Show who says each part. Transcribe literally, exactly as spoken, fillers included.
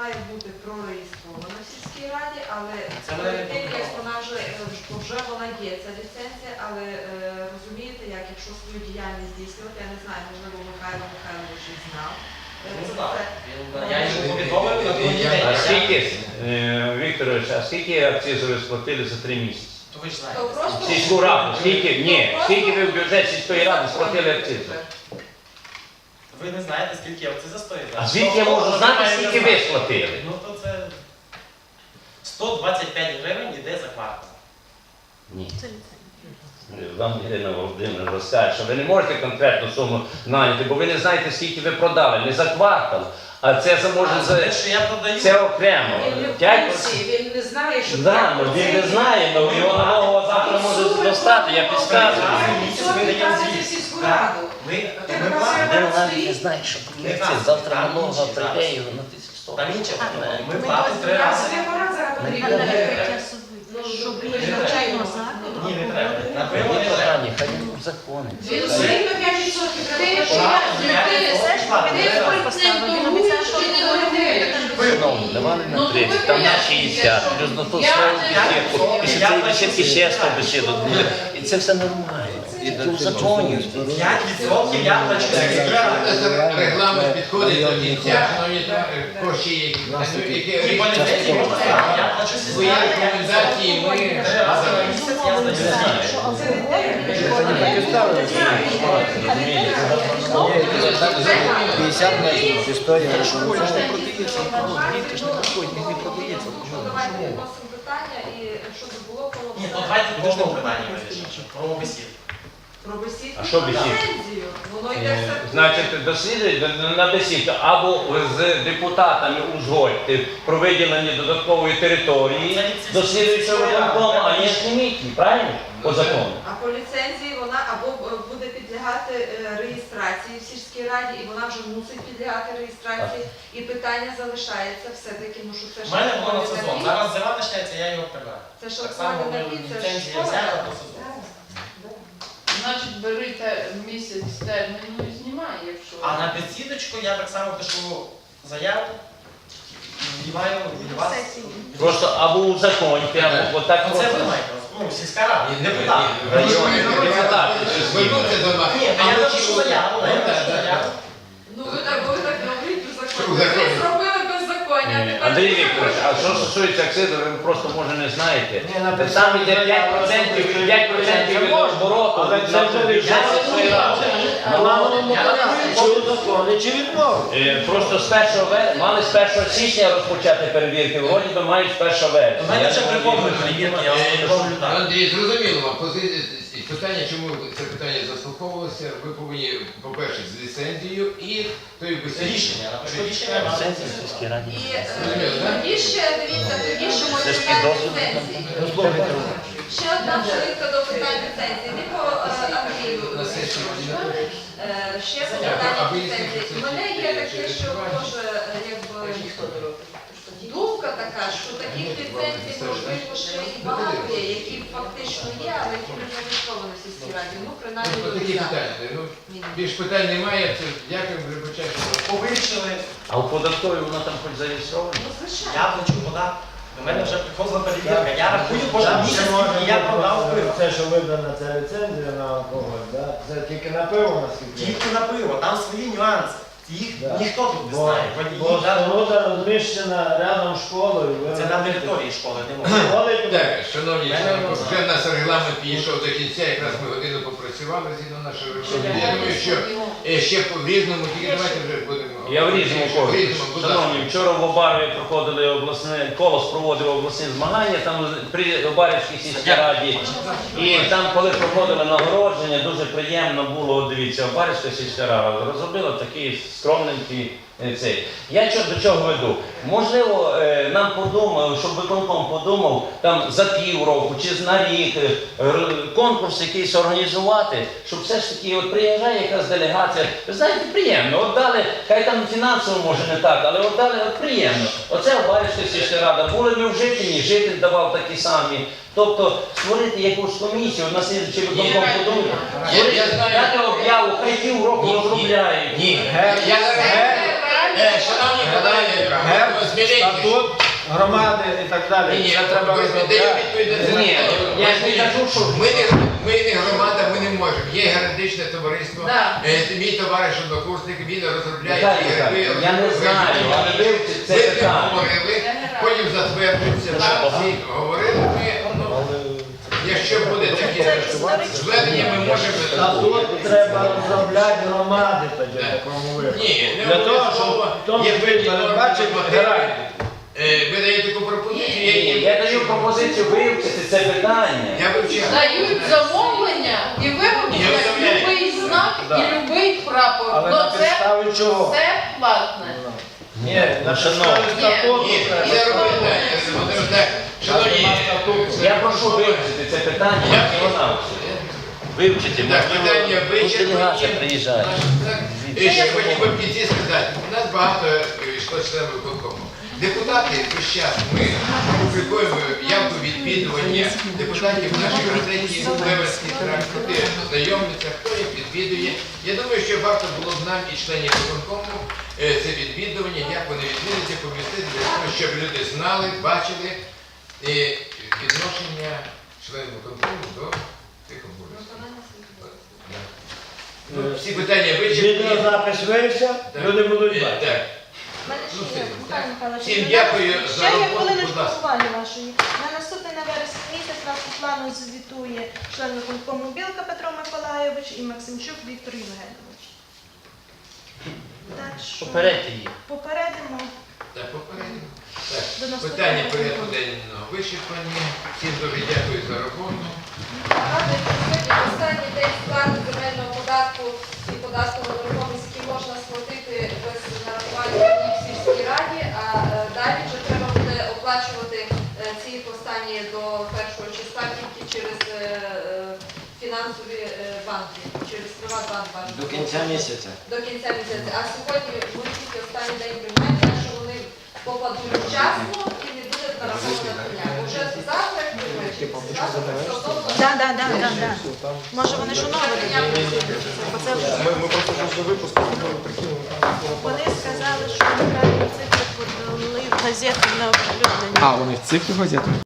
Speaker 1: має бути прореєстрована в сільській раді, але
Speaker 2: Це
Speaker 1: перед
Speaker 2: не
Speaker 1: тим, як
Speaker 2: було.
Speaker 1: вона вже, вже вона є, ця ліцензія, але е, розумієте, як якщо свою діяльність здійснювати, я не знаю, можливо, Михайло Михайлович і знав. е,
Speaker 2: Не
Speaker 1: це
Speaker 2: знав.
Speaker 1: все.
Speaker 2: Він- Я йому повідомив на другий день.
Speaker 3: А скільки, е, Вікторович, а скільки акцизу ви сплатили за три місяці?
Speaker 2: То ви ж
Speaker 1: То
Speaker 2: знаєте.
Speaker 1: просто-
Speaker 3: Сільську раду, скільки, ні, скільки ви в бюджет сільської ради сплатили акцизу?
Speaker 2: Ви не знаєте, скільки акциза стоїть?
Speaker 3: А звідки я можу знати, скільки ви сплатили?
Speaker 2: Ну то це сто двадцять п'ять гривень іде за квартал.
Speaker 3: Ні. Вам Ірина Володимирівна розкаже, що ви не можете конкретну суму наняти, бо ви не знаєте, скільки ви продали, не за квартал, а це за може
Speaker 2: А
Speaker 3: за
Speaker 2: те, що я продаю,
Speaker 3: це окремо.
Speaker 4: Він не в
Speaker 3: П'ять
Speaker 4: курсі, він не знає, що
Speaker 3: Да, ну він не знає, але його налогова завтра може достати, я підказую.
Speaker 4: в сільську раду.
Speaker 2: ми,
Speaker 4: Ти
Speaker 2: ми
Speaker 4: на
Speaker 2: платимо.
Speaker 4: себе
Speaker 5: навіть не знає, що
Speaker 2: Не
Speaker 5: це
Speaker 2: знаю,
Speaker 5: завтра
Speaker 2: там
Speaker 5: налога
Speaker 2: інші
Speaker 5: прийде
Speaker 2: зараз.
Speaker 5: його на тисячу сто.
Speaker 2: Там інше, ми
Speaker 4: Ми
Speaker 2: платимо три
Speaker 4: Я
Speaker 2: рази.
Speaker 4: собі апарат зараз
Speaker 6: На
Speaker 4: потрібен.
Speaker 6: перекриття суду, щоб
Speaker 2: Не
Speaker 6: біля
Speaker 2: треба.
Speaker 6: навчального закладу
Speaker 2: Ні, не
Speaker 6: або
Speaker 2: треба.
Speaker 6: води.
Speaker 2: На пиво не треба.
Speaker 5: Питання, хай він законить.
Speaker 4: Він все рівно п'ять відсотків
Speaker 7: Ти
Speaker 4: треба
Speaker 7: ж
Speaker 4: платити.
Speaker 2: я-
Speaker 7: ти
Speaker 2: я-
Speaker 7: все ж
Speaker 2: я-
Speaker 7: ти
Speaker 2: я-
Speaker 7: претендуєш чи не претендуєш?
Speaker 5: Шановні, давали
Speaker 4: Ну,
Speaker 5: на
Speaker 4: то
Speaker 5: тридцять,
Speaker 4: ви
Speaker 5: там на
Speaker 4: пояснюєте,
Speaker 5: шістдесят,
Speaker 4: що
Speaker 5: плюс на ту
Speaker 4: я
Speaker 5: свою
Speaker 4: не-
Speaker 5: бесідку, і ще
Speaker 2: Я
Speaker 5: цієї
Speaker 2: плачу
Speaker 5: бесідки ще
Speaker 2: сім.
Speaker 5: сто бесідок буде. І це все нормально. І в законі.
Speaker 2: п'ять відсотків я плачу.
Speaker 8: Регламент підходить до кінця, шановні коші, які
Speaker 2: І поліцейські можна сказати, я плачу
Speaker 8: свої
Speaker 2: сім.
Speaker 8: рекомендації ми
Speaker 2: Три рази на місяць я здаю.
Speaker 6: Що алкоголь,
Speaker 5: п'ятдесят метрів історія.
Speaker 1: Ну, давайте відносимо питання і щоб було коло
Speaker 2: Ні, то давайте по одному питанню вирішимо. Про бесід.
Speaker 1: про бесідку.
Speaker 3: А що бесідка?
Speaker 1: Ліцензію. Воно йде
Speaker 3: Е,
Speaker 1: все.
Speaker 3: Значить, дослідують на бесідку або з депутатами узгодьте про виділення додаткової території, дослідуючи виконкому, а є ж лімітні, правильно? По закону.
Speaker 1: А по ліцензії вона або е, буде підлягати е, реєстрації в сільській раді, і вона вже мусить підлягати реєстрації. І питання залишається все-таки, ну що це
Speaker 2: У
Speaker 1: ж
Speaker 2: мене було на
Speaker 1: алкогольний
Speaker 2: сезон.
Speaker 1: напій.
Speaker 2: Зараз зима почнеться, я його прибираю.
Speaker 1: Це ж
Speaker 2: Так само
Speaker 1: алкогольний
Speaker 2: ми
Speaker 1: напій, це ж
Speaker 2: ліцензія
Speaker 1: школа.
Speaker 2: взяла по сезону.
Speaker 7: Значить, бери те- місяць терміну і знімай, якщо...
Speaker 2: А на бесідочку я так само пишу заяву, вдіваю від вас.
Speaker 3: Просто або узаконьте, або отак
Speaker 2: Ну це
Speaker 3: просто.
Speaker 2: ви маєте, ну, сільська рада, депутат.
Speaker 3: Депутати.
Speaker 8: звернуться до нас.
Speaker 2: Ні, а я напишу заяву, я напишу заяву.
Speaker 1: Ну ви так, бо ви так говорите
Speaker 8: Що
Speaker 1: беззаконня.
Speaker 8: в
Speaker 1: Ви
Speaker 8: законі?
Speaker 1: зробили беззаконня. а
Speaker 3: Ні,
Speaker 1: тепер
Speaker 3: Андрій
Speaker 1: ви
Speaker 3: Вікторович, а
Speaker 1: зробите.
Speaker 3: що стосується акцизу, ви просто може не знаєте.
Speaker 5: Ні, написано,
Speaker 3: Там йде п'ять процентів, п'ять процентів від обороту,
Speaker 5: Але
Speaker 3: від
Speaker 5: це вже
Speaker 3: бюджету своєї ради.
Speaker 5: Чи відмовити?
Speaker 3: Е, Просто з першого вер- мали з першого січня розпочати перевірки, вроді би мають з першого
Speaker 2: У
Speaker 3: вересня.
Speaker 2: мене
Speaker 3: Я
Speaker 2: вже
Speaker 3: не
Speaker 2: приповнені
Speaker 3: знаю.
Speaker 2: перевірки, я вас не роблю так.
Speaker 8: Андрій, зрозуміло вам, пози- питання, чому це питання заслуховувалося, ви повинні, по-перше, з ліцензією і тою бесідою.
Speaker 2: Рішення, я напишу рішення. вам.
Speaker 5: Сенсі в сільській раді.
Speaker 1: І е, тоді ще, дивіться, тоді ще
Speaker 5: Це
Speaker 1: можна
Speaker 5: ж
Speaker 1: питання
Speaker 5: підозрюваний.
Speaker 1: ліцензії. Ще одна хвилинка до питань ліцензії. Не по е, Андрію.
Speaker 8: На сесії
Speaker 1: Е, Ще по
Speaker 8: Дякую. А
Speaker 1: питанню
Speaker 8: ви
Speaker 1: ліцензії.
Speaker 8: ліцензії
Speaker 1: У мене є таке,
Speaker 8: через
Speaker 1: що
Speaker 8: Іванів?
Speaker 1: може, е, якби, думка така, що таких ліцензій, можливо, ще і багато є, які фактично є, але які не зареєстровані в сільській раді. Ну, принаймні,
Speaker 8: Ну,
Speaker 1: до
Speaker 8: такі
Speaker 1: кінця.
Speaker 8: питання. Ну, більш питань немає, це дякуємо, вибачайте.
Speaker 2: Повирішили,
Speaker 3: А у податковій вона там хоч зареєстрована?
Speaker 1: Ну, звичайно.
Speaker 2: я плачу податок. До мене вже приходила перевірка. Я рахую кожен місяць, скільки я продав пиво.
Speaker 9: Це, що видана ця ліцензія на алкоголь, да? Це тільки на пиво, наскільки?
Speaker 2: Тільки на пиво, там свої нюанси. Їх
Speaker 9: Да.
Speaker 2: ніхто тут не
Speaker 9: Бо,
Speaker 2: знає.
Speaker 9: бо
Speaker 2: Водії, да.
Speaker 9: споруда розміщена рядом з школою. ви
Speaker 2: Це на
Speaker 9: розумієте?
Speaker 2: території школи не можна.
Speaker 9: Школи,
Speaker 8: Так, шановні,
Speaker 2: Мене
Speaker 8: члени,
Speaker 2: воно
Speaker 8: вже в нас регламент підійшов до кінця, якраз ми годину попрацювали згідно нашого регламенту. Я думаю, що е, ще в різному, тільки давайте вже будемо.
Speaker 3: Я в різному
Speaker 8: В
Speaker 3: колі.
Speaker 8: різному, будь ласка.
Speaker 3: Шановні, вчора в Обарові проходили обласне, колос проводив обласні змагання, там при Обарівській сільській раді. І там, коли проходили нагородження, дуже приємно було, дивіться, Обарівська сільська рада розробила такий скромненький е, цей. Я що, до чого веду? Можливо, е, нам подумали, щоб виконком подумав, там за півроку чи на рік е, р- конкурс якийсь організувати, щоб все ж таки от приїжджає якась делегація. Ви знаєте, приємно. От дали, хай там фінансово може не так, але от дали от приємно. Оце Обарівська сільська рада. Були ми в Житині, Житин давав такі самі. Тобто створити якусь комісію, на слідчий виконком подумати.
Speaker 8: Я- я
Speaker 3: Створити,
Speaker 8: знаю.
Speaker 3: дати об'яву, хай півроку
Speaker 8: Ні, ні.
Speaker 3: розробляють.
Speaker 8: Ні, я, я, е, шановні колеги, Міленький.
Speaker 9: статут громади і так
Speaker 8: Ні,
Speaker 9: далі.
Speaker 8: ні,
Speaker 9: Це треба
Speaker 8: ми
Speaker 9: розробляти.
Speaker 8: даємо відповідь на це
Speaker 3: Ні,
Speaker 8: питання.
Speaker 3: я ж не кажу, що
Speaker 8: Ми не, ми не громада, ми не можемо. Є юридичне товариство.
Speaker 7: Да.
Speaker 8: Е, Мій товариш однокурсник, він розробляє
Speaker 3: Віталій
Speaker 8: ті
Speaker 3: Михайлович,
Speaker 8: герби,
Speaker 3: я не
Speaker 8: розробляє
Speaker 3: знаю,
Speaker 8: ті
Speaker 3: але
Speaker 8: герби.
Speaker 3: вивчіть це
Speaker 8: Ми з ним
Speaker 3: питання.
Speaker 8: говорили, потім затверджується, так, всі говорили, ми, ну, якщо буде таке зведення, ми можемо...
Speaker 9: Статут треба розробляти громади тоді в
Speaker 8: Так.
Speaker 9: такому випадку.
Speaker 8: Ні, не
Speaker 9: Для того,
Speaker 8: обов'язково.
Speaker 9: щоб в тому
Speaker 8: Є
Speaker 9: числі
Speaker 8: певні норми,
Speaker 9: передбачити
Speaker 8: нормативи.
Speaker 9: графік.
Speaker 8: Е, Ви даєте таку пропозицію, я
Speaker 3: Ні,
Speaker 8: її
Speaker 3: я даю пропозицію вивчити це питання.
Speaker 8: Я вивчав.
Speaker 7: Дають замовлення і
Speaker 8: Ні,
Speaker 7: вироблять
Speaker 8: оставляють.
Speaker 7: любий знак
Speaker 9: Да.
Speaker 7: і любий прапор.
Speaker 9: Але на
Speaker 7: Ну це
Speaker 9: підставі чого?
Speaker 7: все платне.
Speaker 9: Ні, на
Speaker 3: Ну, шановні.
Speaker 9: підставі статуту
Speaker 8: Ні,
Speaker 9: треба.
Speaker 8: це робити. Володимир, так, шановні,
Speaker 9: Нема статуту.
Speaker 3: Я прошу вивчити це питання.
Speaker 8: Я-
Speaker 3: Вона вивчити.
Speaker 8: Так, питання
Speaker 5: Ну, делегація
Speaker 8: вичерпані.
Speaker 5: приїжджає.
Speaker 8: Так. І ще хотів би в кінці сказати, у нас багато е, йшло членів виконкому. Депутати весь час ми публікуємо явку відвідування депутатів в нашій газеті «Левенський тракт». Люди знайомляться, хто їх відвідує. Я думаю, що варто було б нам і членів виконкому е, це відвідування, як вони відвідуються, помістити для того, щоб люди знали, бачили е, відношення членів виконкому до тих обов'язків. Ну, всі питання вичерпні.
Speaker 9: Відеозапис вився,
Speaker 8: Так.
Speaker 9: люди будуть
Speaker 8: Е,
Speaker 9: бачити.
Speaker 8: Так.
Speaker 6: У мене
Speaker 8: Ну,
Speaker 6: ще є,
Speaker 8: все.
Speaker 6: Михайло Михайлович,
Speaker 8: Всім
Speaker 6: у нас
Speaker 8: дякую за
Speaker 6: ще є
Speaker 8: роботу,
Speaker 6: хвилиночку
Speaker 8: будь ласка.
Speaker 6: уваги вашої. На наступний на вересень місяць нас по плану звітує член виконкому Білка Петро Миколайович і Максимчук Віктор Євгенович. Так що
Speaker 5: Попередьте їх.
Speaker 6: попередимо.
Speaker 8: Так, попередньо.
Speaker 6: До
Speaker 8: Так,
Speaker 6: наступного
Speaker 8: питання
Speaker 6: разу.
Speaker 8: порядку денного вичерпані. Всім дуже дякую за роботу.
Speaker 1: Нагадую, що сьогодні останній день сплати земельного податку і податку на нерухомість, який можна сплатити без нарахування в сільській раді, а е, далі вже треба буде оплачувати е, ці останні до першого числа тільки через е, е, фінансові е, банки, через Приватбанк бажано.
Speaker 5: До кінця місяця.
Speaker 1: До кінця місяця. А сьогодні ми тільки останній день приймаємо, так що вони попадуть вчасно і не буде нарахована дня. Вже завтра, як ви бачите, завтра стосовно
Speaker 6: Да, да, да, да, да. Може вони ж оновили? Оце вони сказали, що неправильні цифри подали в газету на оприлюднення.
Speaker 10: А, вони в цифрі газети?